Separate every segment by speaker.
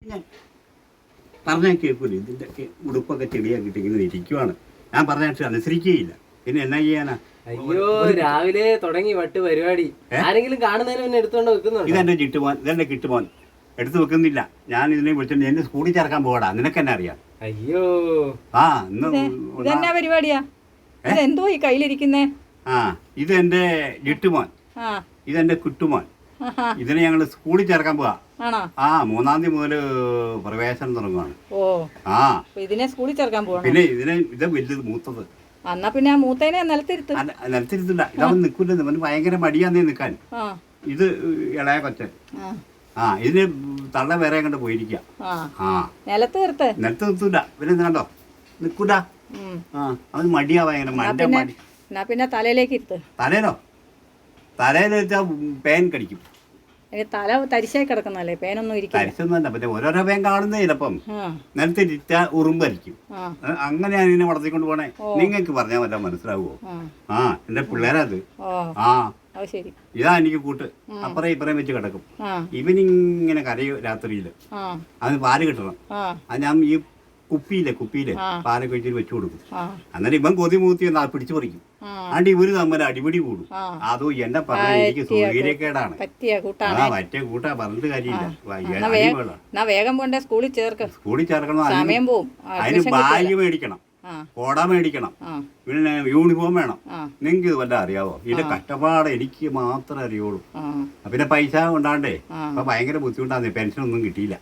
Speaker 1: ഞാൻ പറഞ്ഞാൽ കേൾക്കൂല. ഇതിൻ്റെയൊക്കെ ഉടുപ്പൊക്കെ ചെടിയാക്കിയിട്ട് ഇങ്ങനെ ഇരിക്കുവാണ്. ഞാൻ പറഞ്ഞാൽ അനുസരിക്കുകയില്ല. പിന്നെ എന്നാ ചെയ്യാനാ?
Speaker 2: അയ്യോ, രാവിലെ തുടങ്ങി വട്ട് പരിപാടി. ആരെങ്കിലും കാണുന്നതിന് പിന്നെ എടുത്തോണ്ട് വെക്കുന്നുണ്ടോ?
Speaker 1: ഇതെന്റെ ചിട്ടുമോൻ, ഇതെന്റെ കിട്ടുമോൻ. എടുത്തു വെക്കുന്നില്ല. ഞാൻ ഇതിനെ വിളിച്ചിട്ട് എന്നെ സ്കൂളിൽ ചേർക്കാൻ പോകടാ. നിനക്കെന്നെ അറിയാം.
Speaker 2: അയ്യോ,
Speaker 1: ആ ഇന്ന്
Speaker 3: ഇതെന്നാ പരിപാടിയാ? ഇതെന്തോ ഈ കയ്യിലിരിക്കുന്നേ?
Speaker 1: ആ ഇതെന്റെ ജിട്ടുമോൻ, ഇതെന്റെ കുട്ടുമോൻ. ഇതിനെ ഞങ്ങൾ സ്കൂളിൽ ചേർക്കാൻ പോവാ. ആ 3-ാം തീയതി മുതൽ പ്രവേശനം തുടങ്ങുവാണ്.
Speaker 3: ഓ
Speaker 1: ആ
Speaker 3: ഇതിനെ സ്കൂളിൽ ചേർക്കാൻ പോവാ.
Speaker 1: പിന്നെ ഇത് വലുത് മൂത്തത്.
Speaker 3: എന്നാ പിന്നെ ആ മൂത്തേനെ നിലത്തിരുത്ത്.
Speaker 1: നിലത്തിരുത്തില്ല. ഇതവൻ നിൽക്കില്ല. അവന് ഭയങ്കര മടിയാന്നേ നിൽക്കാൻ. ഇത് ഇളയ കൊച്ചൻ. ആ ഇതിന് തള്ള വേറെ കണ്ട് പോയിരിക്ക. ആ
Speaker 3: നിലത്ത് നിർത്ത്.
Speaker 1: നിലത്ത് നിർത്തൂല. പിന്നെ കണ്ടോ നിൽക്കൂല. ആ അവന് മടിയാ ഭയങ്കര മടി.
Speaker 3: എന്നാ പിന്നെ തലയിലേക്ക് ഇരുത്ത്.
Speaker 1: തലേനോ? തലയിൽ വെച്ചാൽ പേൻ കടിക്കും.
Speaker 3: തല തരിശായി കിടക്കുന്നല്ലേ, പേനൊന്നും ഇരിക്കും.
Speaker 1: തരിശൊന്നുമല്ല, പിന്നെ ഓരോരോ പേൻ കാണുന്നേ. ചിലപ്പം നിലത്തിരിച്ച ഉറുമ്പരിക്കും. അങ്ങനെയാണ് ഇതിനെ വളർത്തിക്കൊണ്ട് പോണേ. നിങ്ങൾക്ക് പറഞ്ഞാൽ വല്ല മനസ്സിലാവുമോ? ആ എന്റെ പിള്ളേരത്. ആ ഇതാ എനിക്ക് കൂട്ട്. അപ്പറേ ഇപ്പറേം വെച്ച് കിടക്കും. ഇവനിങ്ങനെ കരയും രാത്രിയില്. അതിന് പാല് കിട്ടണം. അത് ഞാൻ ഈ കുപ്പിയില് പാലൊക്കെ വെച്ചിട്ട് വെച്ചു കൊടുക്കും. അന്നേരം ഇവൻ കൊതി മൂത്തി പിടിച്ചു പറിക്കും. ആണ്ട് ഇവര് തമ്മിൽ അടിപിടി കൂടും. അതോ എന്നെ പറഞ്ഞ എനിക്ക് സൗകര്യക്കേടാണ്. ആ പറ്റിയ കൂട്ടാ, പറഞ്ഞിട്ട് കാര്യമില്ല.
Speaker 3: വേഗം പോണ്ടേ സ്കൂളിൽ ചേർക്ക്.
Speaker 1: സ്കൂളിൽ ചേർക്കണം. അതിന് ബാഗ് മേടിക്കണം, കോട മേടിക്കണം, പിന്നെ യൂണിഫോം വേണം. നിങ്ങൾക്ക് ഇത് വല്ല അറിയാവോ? ഇതിന്റെ കഷ്ടപ്പാട് എനിക്ക് മാത്രമേ അറിയുള്ളൂ. പിന്നെ പൈസ കൊണ്ടാണ്ടേ അപ്പൊ ഭയങ്കര ബുദ്ധിമുട്ടാണ്. പെൻഷൻ ഒന്നും കിട്ടിയില്ല.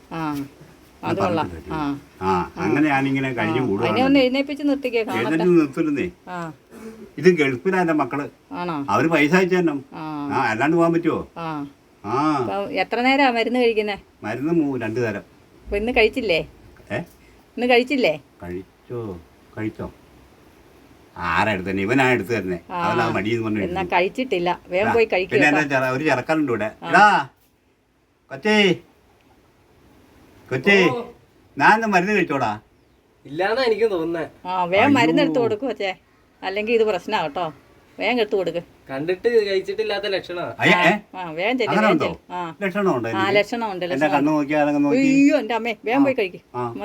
Speaker 1: ആ അങ്ങനെ ഞാനിങ്ങനെ കഴിഞ്ഞു കൂടുന്നേ. നിർത്തുന്നേ. ഇത് ഗൾഫിലാ എന്റെ മക്കള്. അവര് പൈസ അയച്ചു തന്നെ. ആ അല്ലാണ്ട് പോകാൻ പറ്റുമോ? ആ
Speaker 3: എത്ര നേരാ മരുന്ന് കഴിക്കുന്നേ?
Speaker 1: മരുന്ന് 2 തരം.
Speaker 3: ഇന്ന് കഴിച്ചില്ലേ? ഇന്ന് കഴിച്ചില്ലേ?
Speaker 1: കഴിച്ചോ? ആരാ എടുത്തന്നെ? ഇവനാ എടുത്തു തരുന്നേ. അവനാ മടിയെന്ന് പറഞ്ഞു.
Speaker 3: കഴിച്ചിട്ടില്ല. വേഗം പോയി കഴിക്കും.
Speaker 1: പിന്നെ എന്റെ ഒരു ചെറുക്കനുണ്ട് ഇവിടെ. കൊച്ചേ ഞാൻ മരുന്ന് കഴിച്ചോടാ?
Speaker 2: ഇല്ലാന്നാ എനിക്ക് തോന്നുന്നേ.
Speaker 3: വേഗം മരുന്ന് എടുത്തു കൊടുക്കും കൊച്ചേ, അല്ലെങ്കിൽ ഇത് പ്രശ്നാ കേട്ടോ. വേഗം എടുത്തു കൊടുക്ക്.
Speaker 2: കണ്ടിട്ട് കഴിച്ചിട്ടില്ലാത്ത ലക്ഷണമാണ്.
Speaker 3: വേഗം ലക്ഷണമുണ്ട്.
Speaker 1: കണ്ണു നോക്കിയാ
Speaker 3: അയ്യോ എന്റെ അമ്മേ, വേഗം പോയി കഴിക്കും.